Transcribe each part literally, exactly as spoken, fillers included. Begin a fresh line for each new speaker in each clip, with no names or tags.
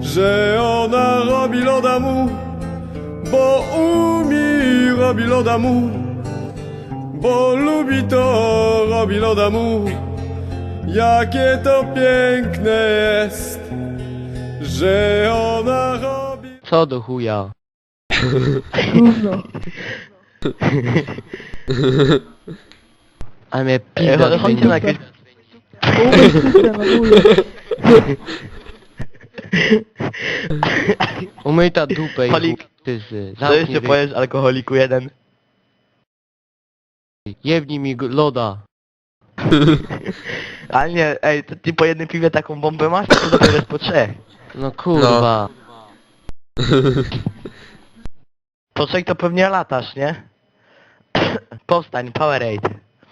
że ona robi loda mu, bo umie robi loda mu, bo lubi to robi loda mu. Jakie to piękne jest, że ona robi...
Co do chuja?
Gówno.
A mnie
Ej,
pizda
chodź- chodźcie na jakieś...
Umyj system, anuję.
Umyj ta dupę i
Holik.
tyzy.
Co jeszcze powiesz alkoholiku jeden?
Jebnij mi go- loda.
Ale nie, ej, to ty po jednym piwie taką bombę masz, to dopiero jest po trzech.
No kurwa.
Po trzech to pewnie latasz, nie? Powstań, Powerade.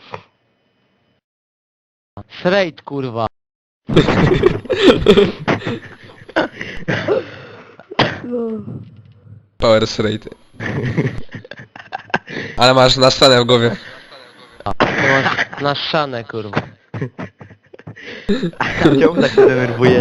Straight kurwa.
No.
Power straight. Ale masz nastanę w głowie.
To masz na szanę kurwa.
Czemu tak się denerwujesz?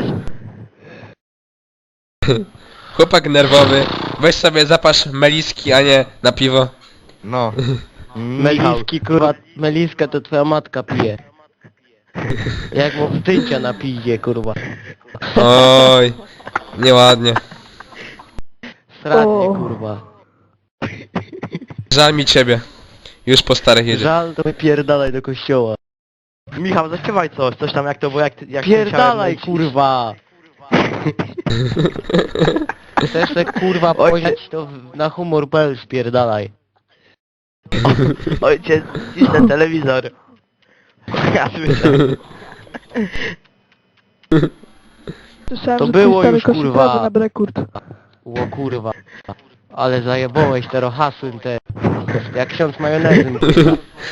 Chłopak nerwowy. Weź sobie zapasz meliski, a nie na piwo.
No. Michał.
Meliski kurwa, meliska to twoja matka pije. Jak mu zdjęcia na piździe kurwa.
Oj, nieładnie.
Sradnie
O.
kurwa.
Żal mi ciebie. Już po starych jedzie.
Żal to wypierdalaj do kościoła.
Michał, zaśpiewaj coś, coś tam jak to było, jak, ty- jak
Pierdalaj
musiałem
kurwa. Chcesz se kurwa
Oj,
pojechać to w- na humor kropka p l spierdalaj.
lecieć. Ojciec, cisz ten telewizor. Ja słyszę.
Słyszałem,
To
że
było
twój stary
już,
kosi
kurwa.
trawę na brekurt.
Ło kurwa. Ale zajebałeś te rohasyn te. Jak ksiądz majonezem kurwa.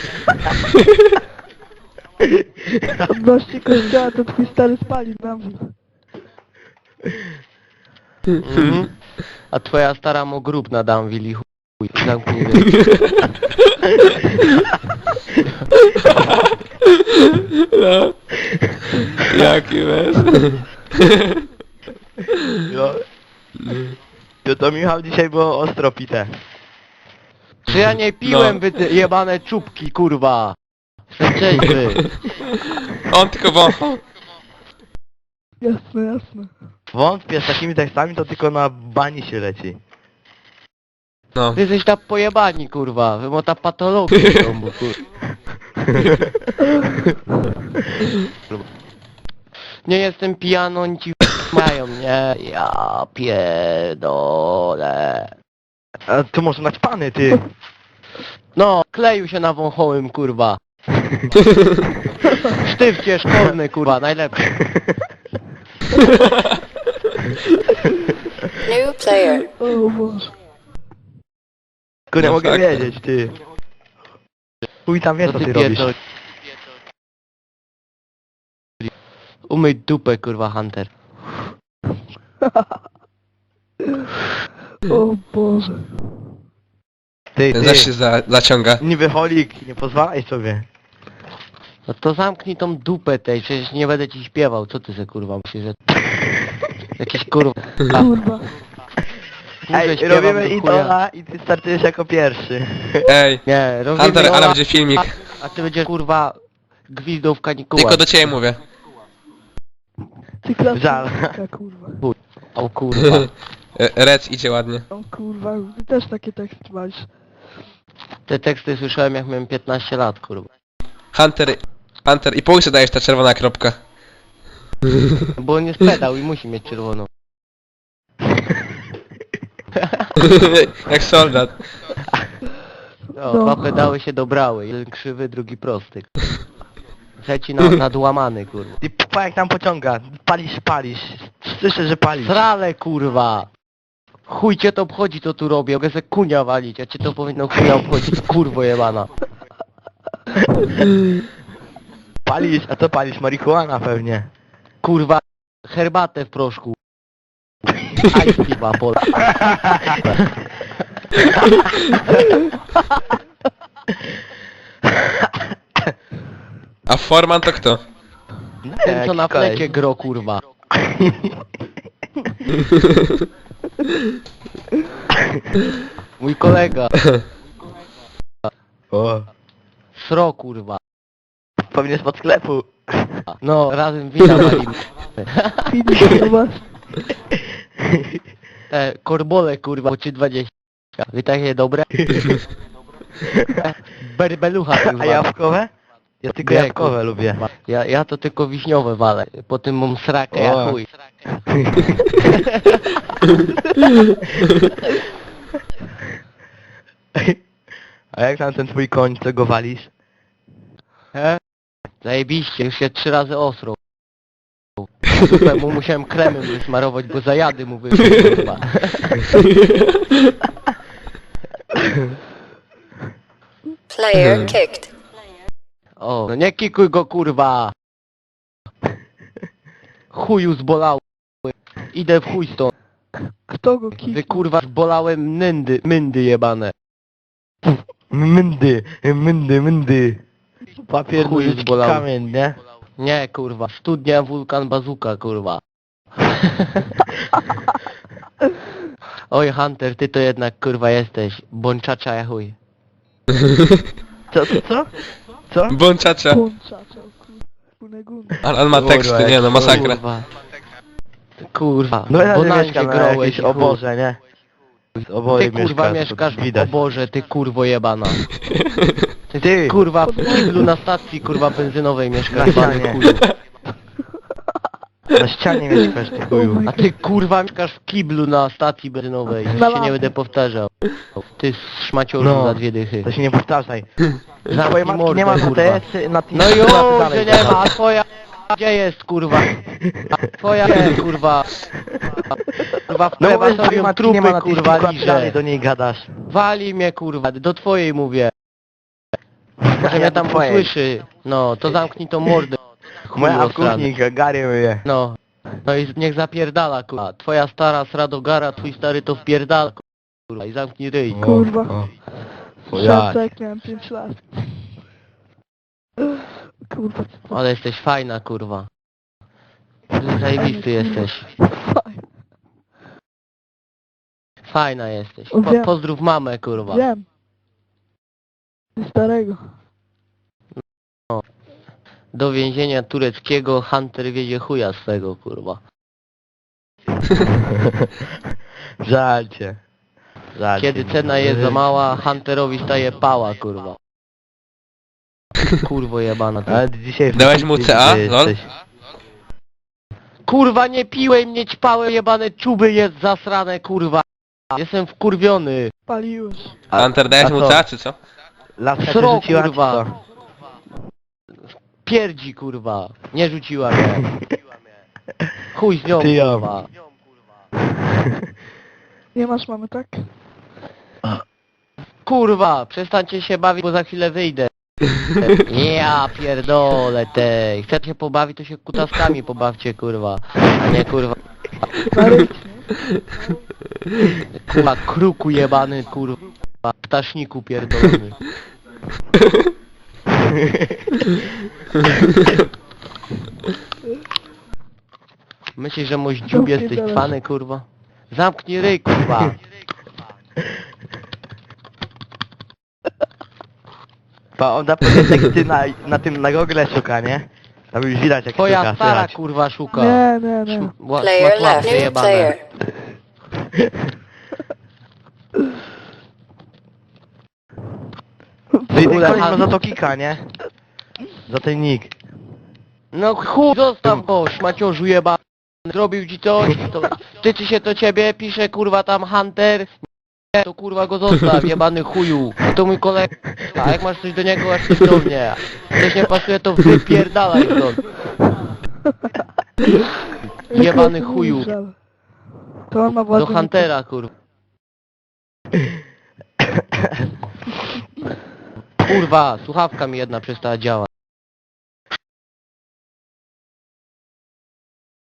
Odnośnie kościoła to twój stary spali na mnie.
Mhm. A twoja stara mu grób na Danville i chuj. Zamknij ryj.
No. Jaki bez?
No. To, to Michał dzisiaj było ostro pite.
Czy ja nie piłem
No.
wy te jebane czubki kurwa. Jestem trzeźwy.
On tylko wąchał.
Jasne, jasne.
Wątpię, z takimi tekstami to tylko na bani się leci.
No.
Wy jesteś ta pojebani kurwa. Wy ma ta patologia w domu kurwa. Nie jestem pijany, oni ci mają, nie? Ja pierdolę.
A tu może naćpany, ty.
No, kleił się na wąchołym, kurwa. Sztywcie szkolny, kurwa, najlepszy.
New player.
O Boże.
Kurde,
No
mogę
tak.
wiedzieć, ty. Chuj tam wie, co ty robisz.
pierdol- Umyj dupę, kurwa, Hunter.
O Boże.
Ty,
Ten
ty.
zaś się za, zaciąga.
Niby holik, nie pozwalaj sobie.
No to zamknij tą dupę tej, przecież nie będę ci śpiewał, co ty ze kurwa myślisz, że... Jakiś kurwa...
Kurwa.
Ej,
śpiewam
robimy
do chuja.
idola i ty startujesz jako pierwszy.
Ej,
Nie, robimy
Hunter, ale
Ola,
będzie filmik.
a ty będziesz kurwa gwizdą w kanikułach.
Tylko do ciebie mówię.
Ty klasa.
Żal.
Kurwa.
O kurwa.
E, Rec idzie ładnie.
O kurwa, ty też takie teksty masz.
Te teksty słyszałem jak miałem piętnaście lat, kurwa.
Hunter, Hunter i po łysie dajesz ta czerwona kropka.
Bo on jest pedał i musi mieć czerwoną.
Jak soldat.
No,
No.
dwa pedały się dobrały, jeden krzywy, drugi prosty. Trzeci na, nadłamany, kurwa.
Ty pa jak tam pociąga. Palisz, palisz. Słyszę, że palisz.
Srale, kurwa! Chuj cię to obchodzi, co tu robię, mogę se kunia walić, a cię to powinno chuja obchodzić, kurwo jebana.
Palisz, a co palisz? Marihuana pewnie.
Kurwa, herbatę w proszku. Aj, piwa, pola.
A Forman to kto?
Ten co na
jakiś koleś.
flecie gro, kurwa. Mój kolega.
O.
Sro kurwa.
Pewnie spod sklepu.
No, razem wina walimy.
Filip, zobacz.
E, korbole kurwa, po trzy dwadzieścia. Wy takie dobre? Berbelucha kurwa.
A jabłkowe? Ja tylko
Nie,
jabłkowe
kurwa.
lubię.
Ja, ja to tylko wiśniowe walę. Po tym mam srakę, ja
O.
chuj.
A jak tam ten twój koń, co go walisz?
He? Zajebiście, już się trzy razy osrął. Super, mu musiałem kremem wysmarować, bo zajady mu wyszły kurwa.
Player kicked.
O, no nie kikuj go kurwa. Chuju zbolał. Idę w chuj stąd.
Kto go
Wy
kiknął?
kurwa zbolałem nyndy, myndy jebane.
Myndy, myndy, myndy. Papier,
Chuj
nożyczki,
zbolał.
kamień, nie?
Nie kurwa, studnia wulkan bazuka kurwa. Oj Hunter, ty to jednak kurwa jesteś. Bączacza ja chuj.
Co, co, co? Co?
Bączacza.
Pączacza, kurwa. Funegun.
Ale on ma
Kurwa,
teksty,
jak
nie no, masakra.
Kurwa. Kurwa,
No ja
bo
nie
na
mieszkam
się
na
grołeś
jakieś
i chuj.
oborze, nie? Oboje
Ty kurwa
mieszkasz,
mieszkasz
to
w
widać.
oborze, ty kurwo jebana.
Ty!
Kurwa w kiblu na stacji kurwa benzynowej
Na
mieszkasz jebany
ścianie.
chuju.
Na ścianie mieszkasz, ty chuju.
A ty kurwa mieszkasz w kiblu na stacji benzynowej. Już się nie będę powtarzał. Ty szmaciorzu
No.
za dwie dychy.
To się nie powtarzaj.
Zamknij
Twojej matki
mordę,
nie ma na
kurwa.
T S, na tym
No już, że nie ma, a twoja gdzie jest kurwa? A twoja gdzie kurwa? Kurwa w
No bo twojej
krematorium
matki nie ma
trupy
na tym
kurwa
przykład,
liże.
dalej do niej gadasz.
Wali mnie kurwa, do twojej mówię. Może
Ja
mnie
do
tam
twojej.
usłyszy. No, to zamknij tą mordę. chuju
Moja w
osrany.
kuchni, Gary myje.
No. No i niech zapierdala kurwa. Twoja stara sradogara, twój stary to wpierdala kurwa i zamknij ryj.
Kurwa.
O, o.
Szansa
jak?
jak miałem pięć lat. Kurwa, co to
Ale jesteś fajna kurwa. Zajebisty jesteś.
fajne.
Fajna jesteś.
O,
Po,
wiem.
pozdrów mamę kurwa.
Wiem. Ty starego.
Do więzienia tureckiego Hunter wiedzie chuja swego kurwa.
Żal cię. Żal
Kiedy
cię.
cena jest za mała, Hunterowi staje pała kurwa. Kurwo jebana. ty.
Ale dzisiaj... w
Dałeś mu C A?
ty
Lol?
jesteś-
Kurwa nie piłem, nie ćpałem, jebane czuby jest zasrane kurwa. Jestem wkurwiony.
Paliłeś.
A-
Hunter, dajesz
a
mu
co?
C A czy co?
Laska cię
Sro,
rzuciła, czy
kurwa.
co?
Pierdzi kurwa. Nie rzuciła mnie. Chuj z nią
Ty ją.
kurwa.
Nie masz mamy, tak?
Kurwa, przestańcie się bawić, bo za chwilę wyjdę. Ja pierdolę tej. Chcecie się pobawić, to się kutaskami pobawcie kurwa. A nie kurwa.
Na ryć,
Kurwa kruku jebany kurwa. Ptaszniku pierdolony. Myślisz, że moździub jesteś
Zamknij
cwany kurwa? Zamknij ryj kurwa.
Pa, on da pewnie teksty na, na tym, na Google szuka, nie? Tam już widać jak
Twoja
szuka,
stara
słychać.
kurwa szuka.
Nie, nie, nie.
Szu- ła-
Player
ła-
left.
łapie
New
jebane.
player.
Ty, ten
Ule-
koleś ma za to kika, nie? Za ten nick.
No chuj, zostaw go, szmaciorzu jebany. Zrobił ci coś, to tyczy się to ciebie, pisze kurwa tam Hunter. Nie, to kurwa go zostaw, jebany chuju. To mój kolega. A jak masz coś do niego, aż coś do mnie. Coś nie pasuje, to wypierdalaj stąd. Jebany
Jak
chuju.
żal. To on ma
Do
władzę.
Huntera kurwa. Kurwa, słuchawka mi jedna przestała działać.